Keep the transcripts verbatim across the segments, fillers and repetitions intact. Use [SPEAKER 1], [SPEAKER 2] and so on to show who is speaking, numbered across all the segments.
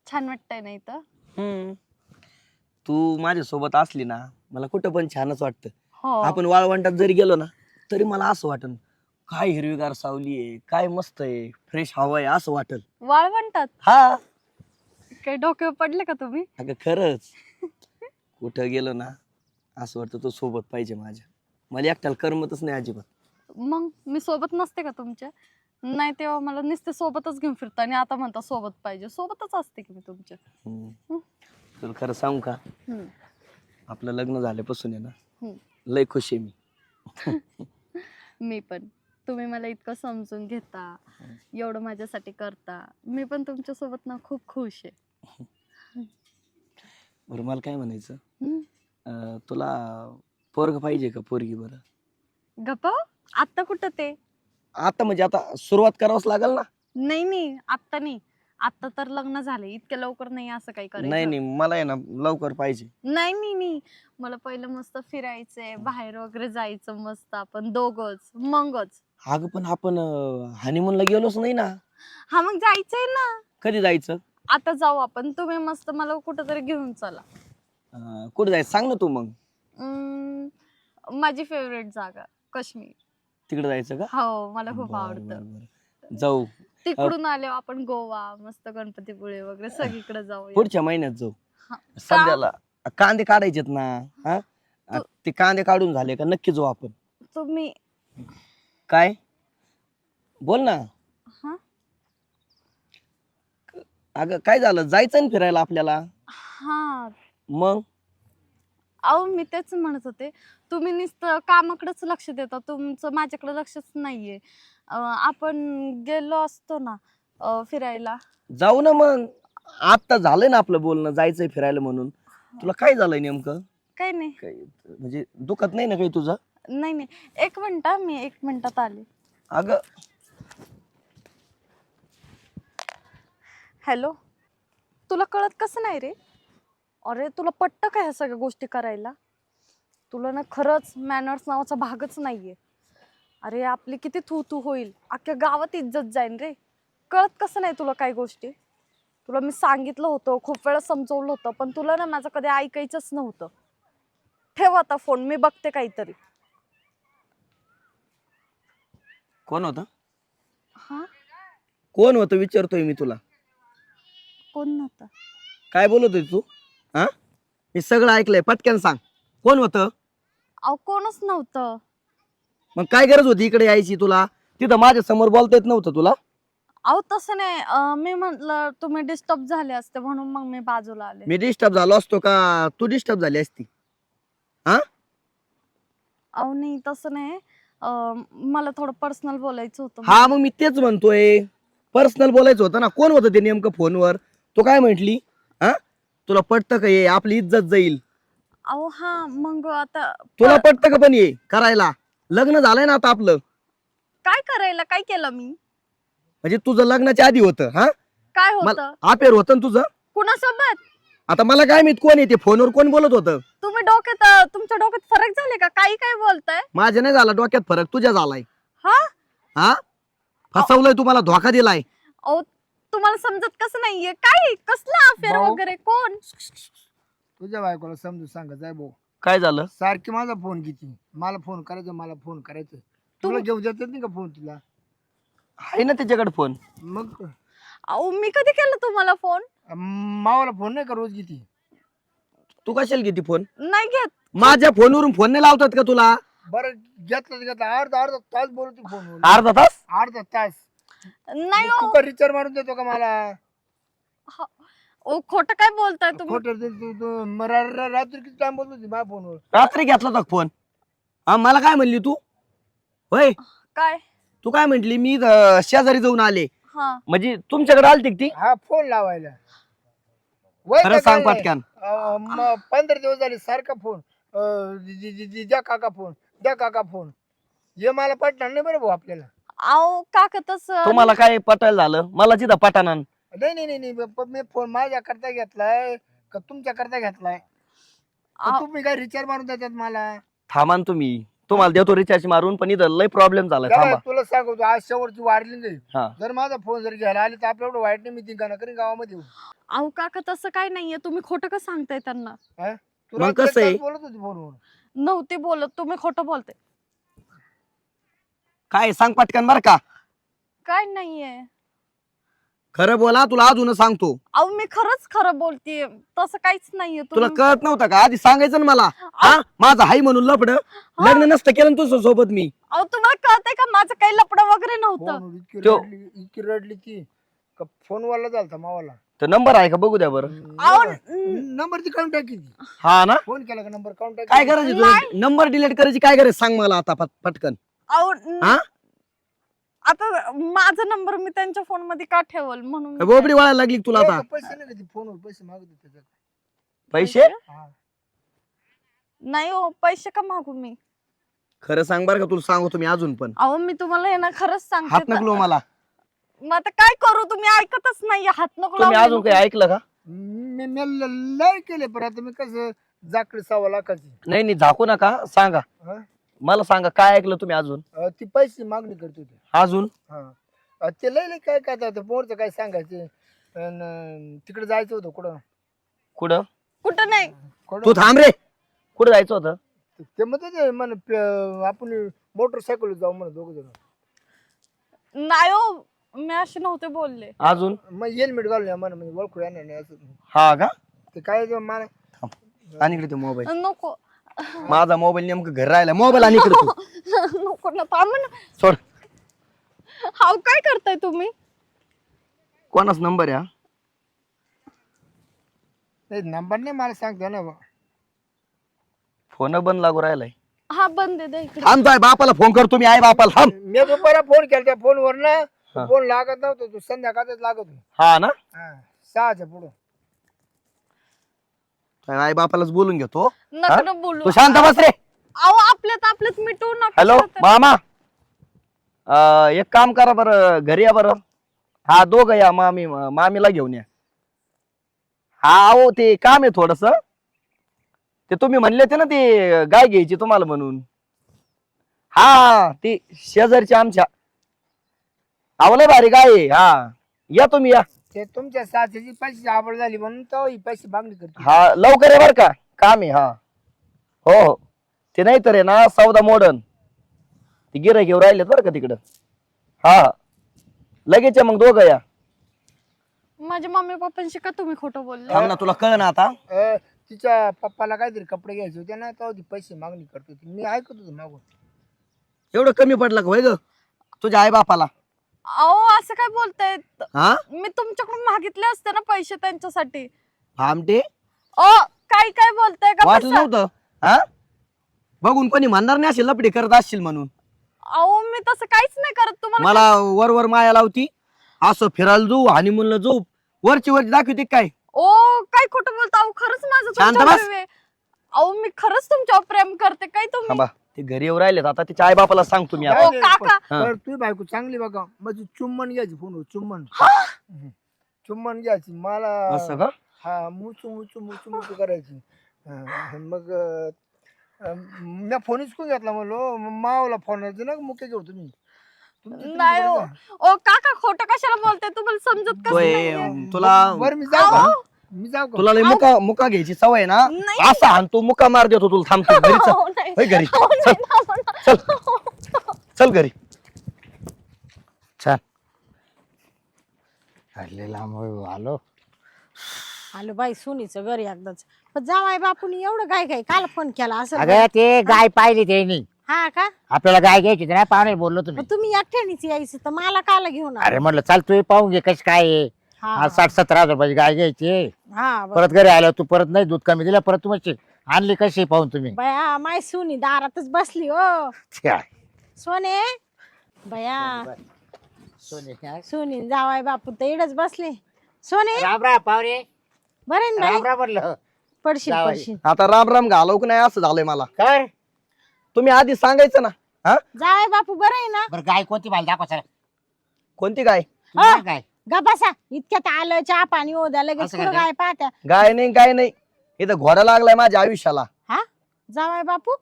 [SPEAKER 1] छान वाटतंय ना इथं.
[SPEAKER 2] हम्म तू माझ्या सोबत असली ना मला कुठं पण छानच वाटतं.
[SPEAKER 1] हो.
[SPEAKER 2] आपण वाळवंटात जरी गेलो ना तरी मला असं वाटन काय हिरवीगार सावली आहे, काय मस्त आहे, फ्रेश हवा आहे असं वाटल.
[SPEAKER 1] वाळवंटात
[SPEAKER 2] हा
[SPEAKER 1] काही डोक्यावर पडले का तुम्ही?
[SPEAKER 2] अगं खरंच कुठं गेलो ना असं वाटतं तो सोबत पाहिजे माझ्या. मला एकट्याला करमतच नाही अजिबात.
[SPEAKER 1] मग मी सोबत नसते का तुमच्या? नाही तेव्हा मला नुसते सोबतच घेऊन फिरता आणि आता म्हणता सोबत पाहिजे. सोबतच असते की मी तुमच्या.
[SPEAKER 2] हम्म.
[SPEAKER 1] हम्म.
[SPEAKER 2] तुला खरं सांगू का
[SPEAKER 1] हम्म.
[SPEAKER 2] आपलं लग्न झाल्यापासून आहे ना
[SPEAKER 1] हम्म.
[SPEAKER 2] लय खुश आहे मी.
[SPEAKER 1] मी पण. तुम्ही मला इतकं समजून घेता, एवढं माझ्यासाठी करता. मी पण तुमच्या सोबत ना खूप खुश आहे.
[SPEAKER 2] बरं मला काय म्हणायचं
[SPEAKER 1] हम्म.
[SPEAKER 2] अं, तुला पोरग पाहिजे का पोरगी? बरं
[SPEAKER 1] गप्पा आत्ता कुठं ते?
[SPEAKER 2] आता म्हणजे आता सुरुवात करावंच लागेल ना.
[SPEAKER 1] नाही नाही आत्ता नाही. आत्ता तर लग्न झाले, इतक्या लवकर नाही असं काही
[SPEAKER 2] नाही
[SPEAKER 1] करायचं.
[SPEAKER 2] नाही मला आहे ना लवकर पाहिजे.
[SPEAKER 1] नाही नाही नाही मला पहिलं मस्त फिरायचंय, बाहेर वगैरे जायचं मस्त आपण दोघच मगच.
[SPEAKER 2] अगं पण आपण हनीमूनला गेलोच नाही ना.
[SPEAKER 1] हा मग जायचंय ना.
[SPEAKER 2] कधी जायचं?
[SPEAKER 1] आता जाऊ आपण. तुम्ही मस्त मला कुठंतरी घेऊन चला.
[SPEAKER 2] अं, कुठे जायचं सांग ना तू. मग
[SPEAKER 1] अं, माझी फेवरेट जागा काश्मीर.
[SPEAKER 2] तिकडे जायचं का?
[SPEAKER 1] हो मला खूप
[SPEAKER 2] बरं,
[SPEAKER 1] आवडतं.
[SPEAKER 2] बरं, बरं. जाऊ
[SPEAKER 1] तिकडून आल्यावर आपण गोवा मस्त गणपतीपुळे वगैरे सगळीकडे जाऊया.
[SPEAKER 2] पुढच्या महिन्यात जाऊ.
[SPEAKER 1] हा.
[SPEAKER 2] सध्याला कांदे काढायचेत ना. हा
[SPEAKER 1] तू-
[SPEAKER 2] ते कांदे काढून झाले का नक्की जाऊ आपण.
[SPEAKER 1] तुम्ही
[SPEAKER 2] काय बोल ना.
[SPEAKER 1] हा
[SPEAKER 2] अगं काय झालं जायचं ना फिरायला आपल्याला.
[SPEAKER 1] हा
[SPEAKER 2] मग
[SPEAKER 1] अहो मी तेच म्हणत होते. तुम्ही नुसतं कामाकडेच लक्ष देता, तुमचं माझ्याकडे लक्षच नाहीये. अं, आपण गेलो असतो ना अं, फिरायला.
[SPEAKER 2] जाऊ ना मग. आता झालंय ना आपलं बोलणं जायचंय फिरायला म्हणून. तुला काय झालंय नेमकं?
[SPEAKER 1] काही नाही.
[SPEAKER 2] काय म्हणजे दुखत नाही ना काही तुझं?
[SPEAKER 1] नाही नाही एक मिनिट हा, मी एक मिनिटात आले.
[SPEAKER 2] अगं
[SPEAKER 1] हॅलो. तुला कळत कसं नाही रे? अरे तुला पटतं का ह्या सगळ्या गोष्टी करायला? तुला ना खरंच मॅनर्स नावाचा भागच नाहीये. अरे आपली किती थू थू होईल, अख्ख्या गावात इज्जत जाईन रे. कळत कसं नाही तुला काही गोष्टी? तुला मी सांगितलं होतं, खूप वेळा समजवलं होतं, पण तुला ना माझं कधी ऐकायचंच नव्हतं. ठेव आता फोन, मी बघते काहीतरी.
[SPEAKER 2] कोण होतं?
[SPEAKER 1] हा
[SPEAKER 2] कोण होतं विचारतोय मी तुला.
[SPEAKER 1] कोण नव्हतं.
[SPEAKER 2] काय बोलतोय तू? हा मी सगळं ऐकलंय पटकन सांग कोण होतं?
[SPEAKER 1] अहो कोणच नव्हतं.
[SPEAKER 2] मग काय गरज होती इकडे यायची तुला? तिथं माझ्या समोर बोलता येत नव्हतं तुला?
[SPEAKER 1] अहो तसं नाही. अं, मी म्हटलं तुम्ही डिस्टर्ब झाले असते म्हणून मग मी बाजूला आले.
[SPEAKER 2] मी डिस्टर्ब झालो असतो का तू डिस्टर्ब झाली असती? हा
[SPEAKER 1] अहो नाही तसं नाही. अं, मला थोडं पर्सनल बोलायचं होतं.
[SPEAKER 2] हा मग मी तेच म्हणतोय. पर्सनल बोलायचं होतं ना. कोण होतं ते नेमकं फोनवर? तू काय म्हंटली? हा तुला पटतं का हे आपली इज्जत जाईल?
[SPEAKER 1] अहो हा मग आता
[SPEAKER 2] तुला पटतं का पण हे करायला? लग्न झालंय ना आता आपलं.
[SPEAKER 1] काय करायला काय केलं मी?
[SPEAKER 2] म्हणजे तुझं लग्नाच्या आधी होतं. हा
[SPEAKER 1] काय
[SPEAKER 2] मला
[SPEAKER 1] होतं?
[SPEAKER 2] अफेअर होतं ना तुझं.
[SPEAKER 1] कुणासोबत?
[SPEAKER 2] आता मला काय माहित कोण येते फोनवर कोण बोलत होतं?
[SPEAKER 1] तुम्ही डोक्यात अं, तुमच्या डोक्यात फरक झाले का? काही काय बोलताय?
[SPEAKER 2] माझ्या नाही झाला डोक्यात फरक, तुझ्या झालाय.
[SPEAKER 1] हा
[SPEAKER 2] हा फसवलंय तुम्हाला, धोका दिलाय.
[SPEAKER 1] अहो तुम्हाला समजत कसं नाहीये? काय कसला अफेअर
[SPEAKER 3] भाऊ.
[SPEAKER 1] वगैरे कोण?
[SPEAKER 3] तुझ्या बायकोला समजून सांगत जाय भाऊ.
[SPEAKER 2] काय झालं?
[SPEAKER 3] सारखी माझा फोन किती मला फोन करायचं मला फोन करायचं. तुला घेऊन जात नाही का फोन तुला?
[SPEAKER 2] आहे ना त्याच्याकडे फोन.
[SPEAKER 3] मग
[SPEAKER 1] अहो मी कधी केलं तुम्हाला फोन?
[SPEAKER 3] मावाला फोन नाही का रोज किती?
[SPEAKER 2] तू कशाला किती फोन?
[SPEAKER 1] नाही घेत.
[SPEAKER 2] माझ्या फोनवरून फोन नाही लावतात का तुला?
[SPEAKER 3] बरं घेतलं तर घेतलं अर्धा अर्धा तास बोलतो फोन.
[SPEAKER 2] अर्धा तास?
[SPEAKER 3] अर्धा तास.
[SPEAKER 1] नाही
[SPEAKER 3] तू
[SPEAKER 1] हो.
[SPEAKER 3] का रिचार्ज मारून देतो का मला?
[SPEAKER 1] ओ खोटं काय बोलताय तुम्ही?
[SPEAKER 3] खोटं तू तू- तू म रा- रा- रात्री किती टाइम बोलत होती माझ्या फोनवर?
[SPEAKER 2] रात्री घेतला होता फोन. हा मला काय म्हणली तू? होय
[SPEAKER 1] काय?
[SPEAKER 2] तू काय म्हंटली? मी अं, शेजारी जाऊन आले.
[SPEAKER 1] हा
[SPEAKER 2] म्हणजे तुमच्याकडे आलती का ती?
[SPEAKER 3] हा फोन लावायला. वय
[SPEAKER 2] खरं
[SPEAKER 3] काय
[SPEAKER 2] सांग
[SPEAKER 3] काय
[SPEAKER 2] पटकन.
[SPEAKER 3] अं, म- पंधरा दिवस झाले सारखा फोन. अं, दि- दि- दि- दि- द्या काका फोन द्या काका फोन. हे मला पटणार नाही बरं भाऊ आपल्याला.
[SPEAKER 1] अहो काका तसं
[SPEAKER 2] तुम्हाला काय पटायला झालं? मला तिथं पटाना.
[SPEAKER 3] नाही नाही नाही नाही ब- मी फोन माझ्या करता घेतलाय का तुमच्या करता घेतलाय? का
[SPEAKER 1] अहो,
[SPEAKER 3] तुम्ही काय रिचार्ज मारून देतात मला?
[SPEAKER 2] थांबा ना तुम्ही. तुम्हाला देतो रिचार्ज मारून, पण इथं लय प्रॉब्लेम झालाय.
[SPEAKER 3] काय
[SPEAKER 2] थांबा.
[SPEAKER 3] तुला सांगतो आज शेवटची वाढली नाही.
[SPEAKER 2] हा.
[SPEAKER 3] जर माझा फोन जर घ्यायला आली तर आपल्या एवढं वाईट नाही मी तिघांना करीन गावामध्ये.
[SPEAKER 1] अहो काका तसं काय नाहीये, तुम्ही खोटं का सांगताय त्यांना?
[SPEAKER 3] तुला
[SPEAKER 2] मग कसं आहे?
[SPEAKER 3] एक तास बोलत होती फोनवर.
[SPEAKER 1] नव्हते बोलत, तुम्ही खोटं बोलताय.
[SPEAKER 2] काय सांग पटकन बर का.
[SPEAKER 1] काय नाहीये.
[SPEAKER 2] खरं बोला, तुला अजून सांगतो.
[SPEAKER 1] अहो मी खरंच खरं बोलतेय, तसं काहीच नाहीये.
[SPEAKER 2] तुला
[SPEAKER 1] तुम्ही-
[SPEAKER 2] कळत नव्हतं का आधी सांगायचं ना मला? हा माझं हाय म्हणून लपड लग्न नसतं केलं ना तुझ्या सोबत मी.
[SPEAKER 1] अहो तुम्हाला कळतंय का माझं काही लपडं वगैरे नव्हतं.
[SPEAKER 3] फोनवर इतकी
[SPEAKER 2] तो-
[SPEAKER 3] रडली इतकी रडली ती का फोनवाला झालता मावाला.
[SPEAKER 2] तर नंबर आहे का बघू द्या बरं.
[SPEAKER 1] अहो
[SPEAKER 3] नंबर ती काढून टाकी ती.
[SPEAKER 2] हा ना,
[SPEAKER 3] फोन केला का नंबर काढून टाकी.
[SPEAKER 2] काय गरज आहे तुला? नंबर डिलीट करायची काय गरज सांग मला आता पट- पटकन.
[SPEAKER 1] अहो
[SPEAKER 2] हा
[SPEAKER 1] आता माझा नंबर मी त्यांच्या फोन मध्ये का ठेवल म्हणून.
[SPEAKER 2] काय बोबडी वाळायला लागली का तुला आता?
[SPEAKER 3] पैसे नाही का ती फोनवर पैसे मागत होते त्याच्यात.
[SPEAKER 2] पैसे
[SPEAKER 3] हा.
[SPEAKER 1] नाही हो, पैसे का मागू मी?
[SPEAKER 2] खरं सांग बरं का, तुला सांगू तुम्ही अजून पण.
[SPEAKER 1] अहो मी तुम्हाला हे ना खरंच
[SPEAKER 2] हात
[SPEAKER 1] सांगते.
[SPEAKER 2] नकलो मला.
[SPEAKER 1] मग आता काय करू, तुम्ही ऐकतच नाही. हात नको
[SPEAKER 2] तुम्ही
[SPEAKER 1] लावू
[SPEAKER 2] अजून
[SPEAKER 1] नको.
[SPEAKER 2] काही ऐकलं का?
[SPEAKER 3] मी मी ल- लय केले पण आता मी कसं जाकडे सव्वा लाखाची.
[SPEAKER 2] नाही नाही झाकू नका, सांगा
[SPEAKER 3] हा?
[SPEAKER 2] मला. सांगा काय ऐकलं तुम्ही अजून?
[SPEAKER 3] अं, ती पैसे मागणी करत होती.
[SPEAKER 2] अजून
[SPEAKER 3] हा अं, ते लय लय काय काय आता पोरचं काय सांगायचे. अन, तिकडे जायचं होतं कुठं
[SPEAKER 2] कुठं?
[SPEAKER 1] कुठं नाही.
[SPEAKER 3] कुठं?
[SPEAKER 2] तू थांब रे. कुठं जायचं होतं?
[SPEAKER 3] ते म्हणते म्हण आपण मोटरसायकल जाऊ म्हण दोघ जण.
[SPEAKER 1] नाही हो, मी असे नव्हते बोलले.
[SPEAKER 2] अजून?
[SPEAKER 3] मग हेल्मेट घालून या म्हण म्हणजे ओळखू येणार नाही असं.
[SPEAKER 2] हा का?
[SPEAKER 3] ते काय ते मला
[SPEAKER 2] आणि इकडे मोबाईल.
[SPEAKER 1] नको
[SPEAKER 2] माझा मोबाईल नेमकं घर राहिला. मोबाईल आणि इकडे तू
[SPEAKER 1] नको ना, थांब ना.
[SPEAKER 2] सोड.
[SPEAKER 1] हाव काय करताय तुम्ही?
[SPEAKER 2] कोणाच नंबर आहे हा?
[SPEAKER 3] नंबर नाही मला सांगतो ना.
[SPEAKER 2] फोन बंद लागू राहिलाय.
[SPEAKER 1] हा बंद दे, दे इकडे.
[SPEAKER 2] थांबतोय बापाला फोन करतो मी. आई बापाला थांब.
[SPEAKER 3] मी दुपारा फोन केला त्या फोनवर ना
[SPEAKER 2] हा.
[SPEAKER 3] फोन लागत नव्हतो. तू संध्याकाळच लागत होता.
[SPEAKER 2] हा ना,
[SPEAKER 3] हा, सहाच्या पुढं.
[SPEAKER 2] आई बापालाच बोलून घेतो.
[SPEAKER 1] नका ना बोलू.
[SPEAKER 2] तू शांत बस रे.
[SPEAKER 1] अहो आपल्यात आपल्यात मिटवू नका.
[SPEAKER 2] हॅलो मामा, अं, एक काम करा बरं, घरी या बरं. हा दोघं या, मामी मामीला घेऊन या. हा हो, ते काम आहे थोडस. ते तुम्ही म्हणले होते ना ते गाय घ्यायची तुम्हाला म्हणून. हा ती शेजारची आमच्या. आवले भारी गाय आहे. हा या तुम्ही या.
[SPEAKER 3] ते तुमच्या साथीची पैशाची आवड झाली म्हणून तो ही पैसे मागणी करतो.
[SPEAKER 2] हा लवकर आहे बर का, काम आहे. हा हो हो, ते नाही तर आहे ना सौदा मॉडर्न, ते गिऱ्हाईक घेऊन राहिलेत बरं का तिकडं. हा लगेच या मग दोघं या.
[SPEAKER 1] माझ्या मम्मी पप्पांशी का तुम्ही खोटं बोलले?
[SPEAKER 2] थांब ना, तुला कळ ना आता.
[SPEAKER 3] अं, तिच्या पप्पाला काहीतरी कपडे घ्यायचे होते ना तो ती पैसे मागणी करत होती. मी ऐकत होतो मागून.
[SPEAKER 2] एवढं कमी पडलं का होय ग तुझ्या आई बापाला?
[SPEAKER 1] अहो असं काय बोलताय?
[SPEAKER 2] हा
[SPEAKER 1] मी तुमच्याकडून मागितले असते ना पैसे त्यांच्यासाठी.
[SPEAKER 2] भामटे,
[SPEAKER 1] ओ काय काय बोलताय का?
[SPEAKER 2] वाटलं
[SPEAKER 1] बसा.
[SPEAKER 2] नव्हतं हा? बघून कोणी म्हणणार नाही असेल लपडी करत असशील म्हणून.
[SPEAKER 1] अहो मी तसं काहीच नाही करत तुम्हाला.
[SPEAKER 2] मला वर वर माया लावती. असं फिरायला जाऊ हनीमूनला जाऊ, वरची वरची दाखवते काय?
[SPEAKER 1] ओ काय खोटं बोलता? अहो खरंच माझं
[SPEAKER 2] शांत
[SPEAKER 1] तुमच्यावर
[SPEAKER 2] बस.
[SPEAKER 1] प्रेम आहे. अहो मी खरंच तुमच्यावर प्रेम करते. काय तुम्ही?
[SPEAKER 2] थांबा, ते घरी येऊ राहिलेत आता. तिच्या आई बापाला सांगतो मी आता.
[SPEAKER 1] ओ
[SPEAKER 3] नाही,
[SPEAKER 1] काका.
[SPEAKER 2] हा.
[SPEAKER 3] तर तुझी बायको चांगली बघा. माझी चुम्मन घ्यायची फोनवर. चुम्मन हम्म. चुम्मन घ्यायची मला.
[SPEAKER 2] असं का?
[SPEAKER 3] हा मुचू मुचू मुचू मुचू करायची. हा, मग मी फोन हिसकून घेतला म्हणलो मावला फोन ना मुके घेऊ तुम्ही. तुमची- तुमची
[SPEAKER 1] नाही
[SPEAKER 3] बरं
[SPEAKER 1] हो.
[SPEAKER 3] का?
[SPEAKER 1] ओ काका खोटं कशाला बोलताय? तुम्हाला समजत कसं
[SPEAKER 2] तोय,
[SPEAKER 1] नाहीये?
[SPEAKER 2] तुला
[SPEAKER 3] बरं मी जाऊ का? मी जाऊ का?
[SPEAKER 2] तुला लय मुका मुका घ्यायची सवय आहे ना.
[SPEAKER 1] नाही.
[SPEAKER 2] असा हाणतो मुका मार देतो तुला. थांबतो घरी चल.
[SPEAKER 1] अहो, नाही.
[SPEAKER 2] होय घरी
[SPEAKER 1] अहो,
[SPEAKER 2] चल
[SPEAKER 1] नाही, थांबा ना.
[SPEAKER 2] चल चल घरी.
[SPEAKER 4] छान हल्ले लांब आलो.
[SPEAKER 5] आलो बाई सुनीचं घर एकदाच. पण जावाय बापूनी एवढं काय काय काल फोन केला असं?
[SPEAKER 4] अगं ते गाय पाहिली त्यांनी.
[SPEAKER 5] हा का?
[SPEAKER 4] आपल्याला गाय घ्यायची होती ना, पाहुणे बोललो तुम्ही.
[SPEAKER 5] मग तुम्ही एकट्यानेच यायचं तर मला काला घेऊन आला?
[SPEAKER 4] अरे म्हटलं चाल तू पाहून घे कशी काय आहे.
[SPEAKER 5] हा,
[SPEAKER 4] आज साठ सतरा हजार रुपयाची गाय घ्यायची.
[SPEAKER 5] हा बरं.
[SPEAKER 4] परत घरी आलो तू परत नाही दूध कमी दिलं, परत तुम्ही आणली कशी पाहून तुम्ही.
[SPEAKER 5] बया माय सुनी दारातच बसली हो.
[SPEAKER 4] काय?
[SPEAKER 5] सोने बया
[SPEAKER 4] सोने
[SPEAKER 5] सुनी जावाय बापू तर इडच बसले. सोने
[SPEAKER 4] राम राम पाहुणे.
[SPEAKER 5] बरे ना
[SPEAKER 4] राम
[SPEAKER 5] बाई?
[SPEAKER 4] राम म्हटलं.
[SPEAKER 5] पडशील
[SPEAKER 4] जावई.
[SPEAKER 5] पडशील.
[SPEAKER 2] आता राम राम घालव की नाही असं झालंय मला.
[SPEAKER 4] कर
[SPEAKER 2] तुम्ही आधी सांगायचं ना. हा
[SPEAKER 5] जावाय बापू बरं आहे ना?
[SPEAKER 4] बरं गाय कोणती मला दाखवा चला.
[SPEAKER 2] कोणती गाय?
[SPEAKER 5] हा.
[SPEAKER 4] काय
[SPEAKER 5] गा बसा इतक्यात आलं चहा पाणी हो द्या लगेच
[SPEAKER 4] असं
[SPEAKER 5] कुठं
[SPEAKER 4] काय?
[SPEAKER 5] काय पाहत्या.
[SPEAKER 2] गाय नाही गाय नाही, इथं घोडा लागलाय माझ्या आयुष्याला.
[SPEAKER 5] हा जावाय बापू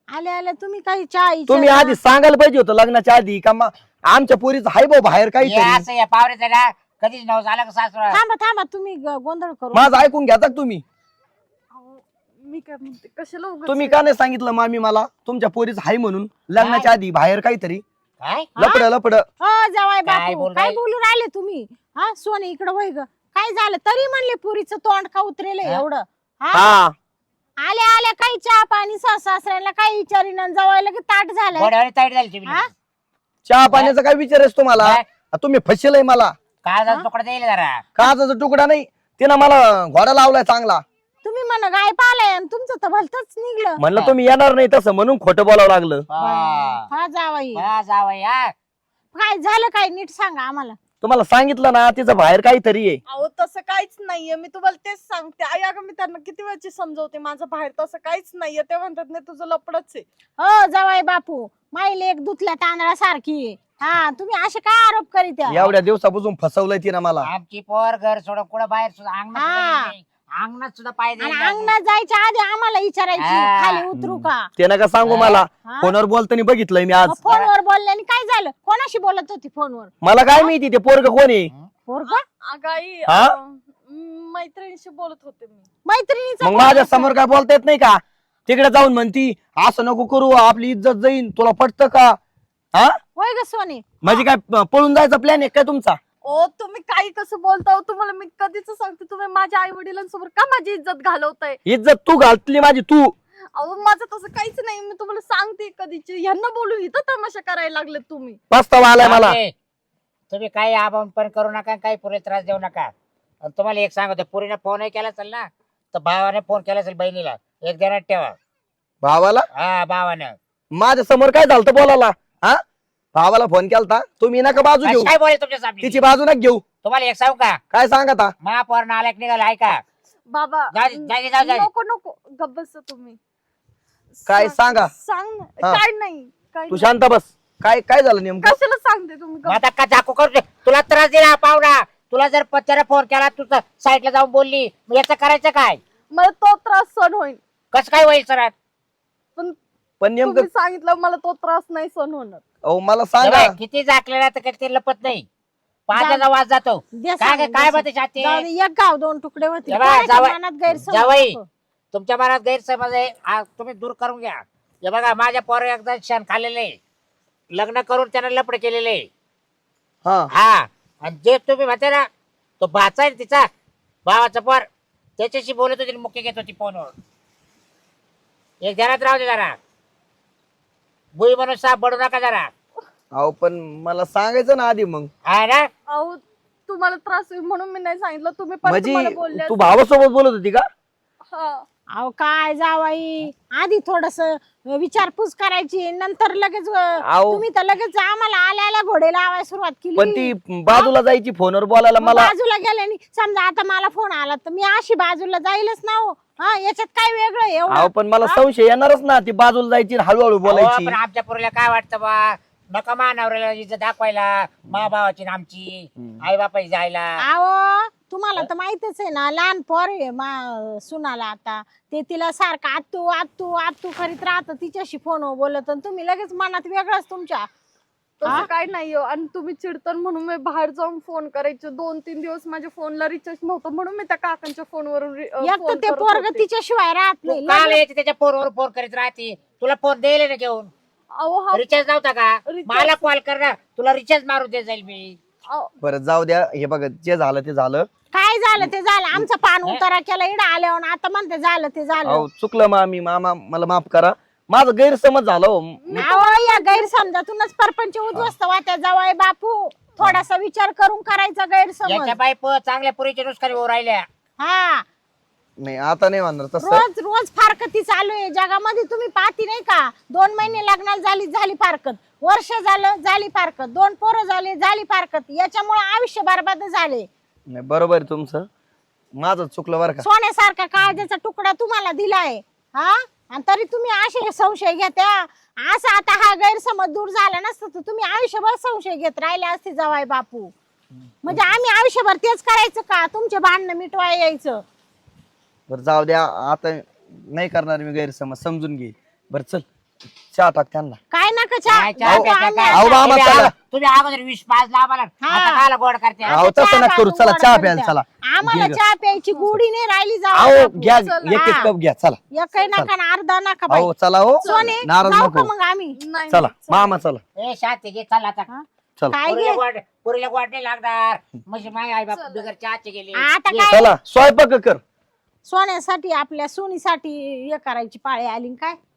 [SPEAKER 5] आले आले तुम्ही काही चहा
[SPEAKER 2] तुम्ही
[SPEAKER 5] विचारला?
[SPEAKER 2] आधी सांगायला पाहिजे होतं लग्नाच्या आधी का मा- आमच्या पोरीचं हाय भाऊ बाहेर
[SPEAKER 6] हे
[SPEAKER 2] काहीतरी
[SPEAKER 6] असं या पावऱ्याचं ना कधीच नव झालं का सासरा
[SPEAKER 5] थांबा थांबा तुम्ही ग- गोंधळ करू
[SPEAKER 2] माझं ऐकून घ्या का तुम्ही
[SPEAKER 1] अहो, मी काय म्हणते कशाला उगाच
[SPEAKER 2] तुम्ही का नाही सांगितलं मामी मला तुमच्या पोरीचं हाय म्हणून लग्नाच्या आधी बाहेर काहीतरी
[SPEAKER 6] काय
[SPEAKER 2] लपड लपड
[SPEAKER 5] हो जावाय
[SPEAKER 6] काय
[SPEAKER 5] बापू
[SPEAKER 6] बोलू
[SPEAKER 5] काय
[SPEAKER 6] राहिले?
[SPEAKER 5] बोलू राहिले तुम्ही हा सोने इकडे वय ग काय झालं तरी म्हणले पुरीचं तोंड का उतरेल
[SPEAKER 6] हा?
[SPEAKER 5] एवढं हा
[SPEAKER 2] हा
[SPEAKER 5] आल्या आल्या काही चहा पाणी सासऱ्याला काही विचारीन आणि जावायला की ताट झालं
[SPEAKER 6] गोड्यावर ताईट झाली तुम्ही
[SPEAKER 5] हा?
[SPEAKER 2] चहा पाण्याचा काय विचार आहे तुम्हाला
[SPEAKER 6] काय?
[SPEAKER 2] आ, तुम्ही फसलय मला
[SPEAKER 6] काय तुकडा देईल जरा
[SPEAKER 2] काचाचा तुकडा नाही तिनं मला घोडा लावलाय चांगला
[SPEAKER 5] तुम्ही म्हण गाय पालाय आणि तुमचं तर भलतच निघलं
[SPEAKER 2] म्हणलं तुम्ही येणार नाही तसं म्हणून खोटं बोलावं लागलं
[SPEAKER 6] हा.
[SPEAKER 5] हा जावाई
[SPEAKER 6] हा, जावई, हा.
[SPEAKER 5] काय झालं काय नीट सांगा आम्हाला
[SPEAKER 2] तुम्हाला सांगितलं ना तिचं बाहेर काहीतरी आहे
[SPEAKER 1] अहो तसं काहीच नाहीये मी तुम्हाला तेच सांगते आई अगं मी त्यांना किती वेळची समजवते माझं बाहेर तसं काहीच नाहीये ते म्हणतात नाही तुझं लपडच आहे
[SPEAKER 5] हो जावाई बापू माई लेक दुधल्या तांदळासारखी आहे. हा तुम्ही असे काय आरोप करीत आहे?
[SPEAKER 2] एवढ्या दिवसापासून फसवलंय तिनं मला
[SPEAKER 6] आमची पोर घर सोडून कुठं बाहेर सुद्धा अंगणात सुद्धा
[SPEAKER 5] हा.
[SPEAKER 6] गेली नाही. अंगणात सुद्धा पाय
[SPEAKER 5] आणि
[SPEAKER 6] देईल नाही.
[SPEAKER 5] अंगणात जायच्या आधी आम्हाला विचारायची
[SPEAKER 6] हा.
[SPEAKER 5] खाली उतरू का
[SPEAKER 2] ते नका सांगू मला
[SPEAKER 5] हा?
[SPEAKER 2] फोनवर बोलताना बघितलंय मी आज
[SPEAKER 5] मग फोनवर बोलल्याने काय झालं कोणाशी बोलत होती फोनवर
[SPEAKER 2] मला काय माहिती ते पोरग कोण आहे
[SPEAKER 5] पोरगा
[SPEAKER 1] अगं आई
[SPEAKER 2] हा?
[SPEAKER 1] अं, मैत्रिणीशी बोलत होते मी
[SPEAKER 5] मैत्रिणीचा
[SPEAKER 2] मग
[SPEAKER 5] फोन
[SPEAKER 2] माझ्या
[SPEAKER 5] असेल.
[SPEAKER 2] समोर काय बोलता येत नाही का तिकडे जाऊन म्हणती असं नको करू आपली इज्जत जाईन तुला पटतं का हा
[SPEAKER 5] होय ग सोने
[SPEAKER 2] म्हणजे काय प- पळून जायचा प्लॅन आहे काय तुमचा
[SPEAKER 1] ओ तुम्ही काही कसं बोलता हो तुम्हाला मी कधीच सांगते तुम्ही माझ्या आई वडिलांसमोर का माझी इज्जत घालवताय
[SPEAKER 2] इज्जत तू घालतली माझी तू
[SPEAKER 1] अहो माझं तसं काहीच नाही मी तुम्हाला सांगते कधीची ह्यांना बोलू इथं तमाशा करायला लागले तुम्ही
[SPEAKER 2] पस्तावा आलाय मला
[SPEAKER 6] जावई, तुम्ही काही आबाम पण करू नका काही पुरे त्रास देऊ नका आणि तुम्हाला एक सांगतो पुरीने फोनही केला असेल ना तर भावाने फोन केला असेल बहिणीला एक देण्यात ठेवा
[SPEAKER 2] भावाला
[SPEAKER 6] हा भावानं
[SPEAKER 2] माझ्या समोर काय झालं बोलायला हा भावाला फोन केलता तुम्ही नका बाजू घेऊ
[SPEAKER 6] काय बोले तुमच्या सामने
[SPEAKER 2] तिची बाजू नका घेऊ
[SPEAKER 6] तुम्हाला एक सांगू का
[SPEAKER 2] काय सांगता
[SPEAKER 6] महापौर नालायक निघाला ऐका
[SPEAKER 1] बाबा
[SPEAKER 6] जाऊ दे, जाऊ दे, जाऊ दे.
[SPEAKER 1] नको नको गब्बस तुम्ही
[SPEAKER 2] काय
[SPEAKER 1] सांग-
[SPEAKER 2] सांगा?
[SPEAKER 1] सांग ना.
[SPEAKER 2] हा.
[SPEAKER 1] काय नाही काय
[SPEAKER 2] तू
[SPEAKER 1] नाही.
[SPEAKER 2] शांत बस काय काय झालं नेमकं
[SPEAKER 1] कशाला सांगते तुम्ही
[SPEAKER 6] मग
[SPEAKER 1] गप्प-
[SPEAKER 6] आता का झाकू करू दे? तुला त्रास दिला पाहुणा तुला जर पत्त्याला फोन केला तू साईडला जाऊन बोलली मग याचं करायचं काय
[SPEAKER 1] मला तो त्रास सहन होईल
[SPEAKER 6] कसं काय होईल सर
[SPEAKER 1] पण
[SPEAKER 2] पण नेमकं
[SPEAKER 1] तुम्ही सांगितलं मला तो त्रास नाही सहन होणार
[SPEAKER 2] अहो मला सांगा
[SPEAKER 6] किती झाकलेला तर काही ते लपत नाही पाण्याचा वास जातो
[SPEAKER 5] दे
[SPEAKER 6] काय
[SPEAKER 5] सांगून,
[SPEAKER 6] काय
[SPEAKER 5] दे
[SPEAKER 6] काय
[SPEAKER 5] सांगून.
[SPEAKER 6] म्हणते छाती
[SPEAKER 5] जाऊ दे, एक गाव दोन तुकडे होते
[SPEAKER 6] हे बघा,
[SPEAKER 5] कोणाच्या
[SPEAKER 6] जावई-
[SPEAKER 5] मनात गैरसमज
[SPEAKER 6] जावई.
[SPEAKER 5] नको.
[SPEAKER 6] तुमच्या मनात गैरसमज आहे हा तुम्ही दूर करून घ्या हे बघा माझ्या पोर एकदा क्षण खाल्लेले लग्न करून त्यानं लपड केलेले
[SPEAKER 2] हा
[SPEAKER 6] हा आणि जे तुम्ही म्हणते ना तो भाचा आहे ना तिचा भावाचा पोर त्याच्याशी बोलत होती मुख्य घेत होती फोनवर एक ध्यानात राहू दे जरा बुई म्हणून साप बडू नका जरा
[SPEAKER 2] अहो पण मला सांगायचं ना आधी मग
[SPEAKER 6] हा ना
[SPEAKER 1] अहो तुम्हाला त्रास होईल म्हणून मी नाही सांगितलं तुम्ही परत मला
[SPEAKER 2] म्हणजे
[SPEAKER 1] बोलले
[SPEAKER 2] तू भावासोबत बोलत होती का
[SPEAKER 1] हा
[SPEAKER 5] अहो काय जावाई आधी थोडस विचारपूस करायची नंतर लगेच अं,
[SPEAKER 2] अहो.
[SPEAKER 5] तुम्ही तर लगेच आम्हाला आल्या आल्या घोडे लावायला सुरुवात
[SPEAKER 2] पण
[SPEAKER 5] केली
[SPEAKER 2] ती बाजूला जायची फोनवर बोलायला
[SPEAKER 5] मग
[SPEAKER 2] मला
[SPEAKER 5] बाजूला गेल्याने समजा आता मला फोन आला तर मी अशी बाजूला जाईलच ना हो हा याच्यात काय वेगळं आहे
[SPEAKER 2] अहो
[SPEAKER 5] एवढं
[SPEAKER 2] पण मला संशय येणारच ना ती बाजूला जायची आणि हळूहळू
[SPEAKER 6] अहो,
[SPEAKER 2] बोलायची
[SPEAKER 6] पण आमच्या पोरीला काय वाटतं बा नका मानवऱ्याला इज्जत दाखवायला मा भावाची आणि आमची आई बापाची जायला
[SPEAKER 5] अहो तुम्हाला तर माहितच आहे ना लहान पोर आहे मा सुनाला आता ते तिला सारखं आत्तू आत्तू आत्तू करीत राहत तिच्याशी फोनवर बोलत आणि तुम्ही लगेच मनात वेगळंच तुमच्या
[SPEAKER 1] तसं काय नाही हो. आणि तुम्ही चिडतन म्हणून मी बाहेर जाऊन फोन करायचे दोन तीन दिवस माझ्या फोनला रिचार्ज नव्हतं म्हणून मी त्या काकांच्या फोनवरून रि- अं,
[SPEAKER 5] एक तर
[SPEAKER 1] फोन
[SPEAKER 5] ते
[SPEAKER 1] करत
[SPEAKER 5] पोरग
[SPEAKER 1] होते.
[SPEAKER 5] तिच्याशिवाय राहत
[SPEAKER 6] तू
[SPEAKER 5] नाही
[SPEAKER 6] काल
[SPEAKER 5] लगेच-
[SPEAKER 6] यायची त्याच्या फोनवर फोन करीत राहते तुला फोन द्यायला ना घेऊन
[SPEAKER 1] अहो हा
[SPEAKER 6] रिचार्ज नव्हता का
[SPEAKER 1] रिचार्ज-
[SPEAKER 6] मला कॉल कर ना तुला रिचार्ज मारून दे जाईल मी
[SPEAKER 1] अहो,
[SPEAKER 2] बरं जाऊ द्या हे बघा जे झालं ते झालं
[SPEAKER 5] काय झालं ते झालं आमचा पान उतारा केला इडा आल्यावर आता म्हणते झालं ते झालं
[SPEAKER 2] अहो चुकलं मामी मामा मला माफ करा माझं गैरसमज झालं हो. मी-
[SPEAKER 5] अहो, या गैरसमजातूनच परपंच उद्ध्वस्त वाट्या जावाय बापू थोडासा विचार करून करायचा गैरसमज
[SPEAKER 6] याच्या बाई प- चांगल्या पुरीच्या नुसकानी हो राहिल्या
[SPEAKER 5] हा
[SPEAKER 2] नाही आता नाही म्हणणार तसं
[SPEAKER 5] रोज रोज फारकती चालू आहे जगामध्ये तुम्ही पाहती नाही का दोन महिने लग्नाला झाली झाली फारकत वर्ष झालं झाली फारकत दोन पोरं झाली झाली फारकत याच्यामुळे आयुष्य बरबाद झाले
[SPEAKER 2] नाही बरोबर आहे तुमचं माझं चुकलं बरं का
[SPEAKER 5] सोन्यासारखा काळजाचा तुकडा तुम्हाला दिलाय हा आणि तरी तुम्ही असे संशय घेत्या असं आता हा गैरसमज दूर झाला नसतं तर तुम्ही आयुष्यभर संशय घेत राहिले असते जवाय बापू म्हणजे आम्ही आयुष्यभर तेच करायचं का तुमचे भांडणं मिटवाय यायचं
[SPEAKER 2] बरं जाऊ द्या आता नाही करणार मी गैरसमज समजून घे बरं चल चहा टाक त्यांना.
[SPEAKER 3] काय नका चहा
[SPEAKER 6] काय चहा
[SPEAKER 3] बापू,
[SPEAKER 6] प्यायचा
[SPEAKER 3] आम्ही
[SPEAKER 6] काय?
[SPEAKER 2] अहो,
[SPEAKER 3] आता-
[SPEAKER 2] मामा,
[SPEAKER 6] तुम्ही
[SPEAKER 2] चला.
[SPEAKER 6] अगो- तुम्ही अगोदर विष पाच ला आम्हाला
[SPEAKER 3] हा.
[SPEAKER 6] आता कायला गोड करते
[SPEAKER 3] आता
[SPEAKER 2] अहो, तसं
[SPEAKER 3] चहा
[SPEAKER 2] नका करू.
[SPEAKER 3] बांधून
[SPEAKER 2] चला,
[SPEAKER 3] गोड
[SPEAKER 2] चहा
[SPEAKER 3] करून
[SPEAKER 2] प्यायला
[SPEAKER 3] द्या.
[SPEAKER 2] चला.
[SPEAKER 3] आम्हाला
[SPEAKER 2] घे ग.
[SPEAKER 3] चहा प्यायची गोडी नाही राहिली
[SPEAKER 2] अहो
[SPEAKER 3] जाऊ
[SPEAKER 2] घ्या
[SPEAKER 1] चला.
[SPEAKER 2] एक एक
[SPEAKER 3] हा.
[SPEAKER 2] कप घ्या. चला
[SPEAKER 3] एकही नका आणि अर्धा नका बाई.
[SPEAKER 2] अहो चला हो
[SPEAKER 3] सोने
[SPEAKER 2] नाराज
[SPEAKER 3] जाऊ का
[SPEAKER 2] नको.
[SPEAKER 3] मग आम्ही
[SPEAKER 1] नाही
[SPEAKER 2] चला
[SPEAKER 1] नाही,
[SPEAKER 2] मामा चला.
[SPEAKER 6] ए शांती घे चल आता
[SPEAKER 3] हा?
[SPEAKER 2] चला
[SPEAKER 3] काय
[SPEAKER 6] पुरीला
[SPEAKER 3] घे
[SPEAKER 6] गोड पुरीला गोड नाही लागणार म्हणजे माय आई बाप
[SPEAKER 1] चला.
[SPEAKER 6] बिगर चहाचे गेले
[SPEAKER 3] आता
[SPEAKER 6] ये.
[SPEAKER 3] काय
[SPEAKER 2] चला स्वयंपाक कर.
[SPEAKER 3] सोन्यासाठी आपल्या सोनीसाठी हे करायची पाळी आली न काय